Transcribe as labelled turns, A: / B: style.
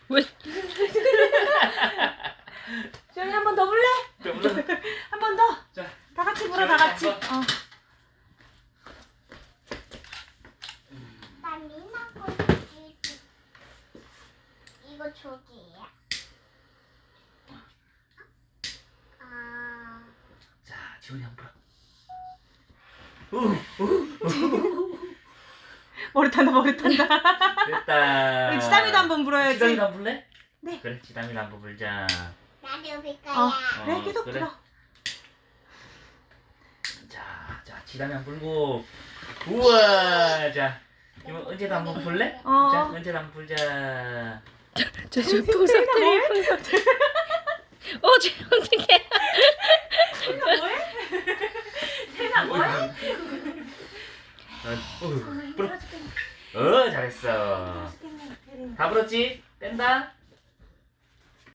A: 왜?
B: 지원이 한 번 더 불래? 한 번 더.
C: 자,
B: 다 같이 불어, 다 같이.
D: 나 미나 거 이거 저기야. 아,
C: 자, 지훈이 한번
B: 머리 탄다, 머리 탄다.
C: 불어. 됐다.
B: 우리 지담이도 한번 불어야지.
C: 지담이도 한번 불래?
B: 네.
C: 그래, 지담이도 한번 불자.
D: 나도 불 거야.
B: 그래, 계속
C: 그래.
B: 불어.
C: 자, 지담이 한번 불고. 우와, 자. 이거 은재도 한번 불래?
B: 어.
C: 자, 은재도 한번 불자.
A: 저 풍선들이 풍선들. 쟤 어떡해.
B: 태나 뭐해? 태나 뭐해?
C: 불어. 잘했어. 다 불었지? 뺀다.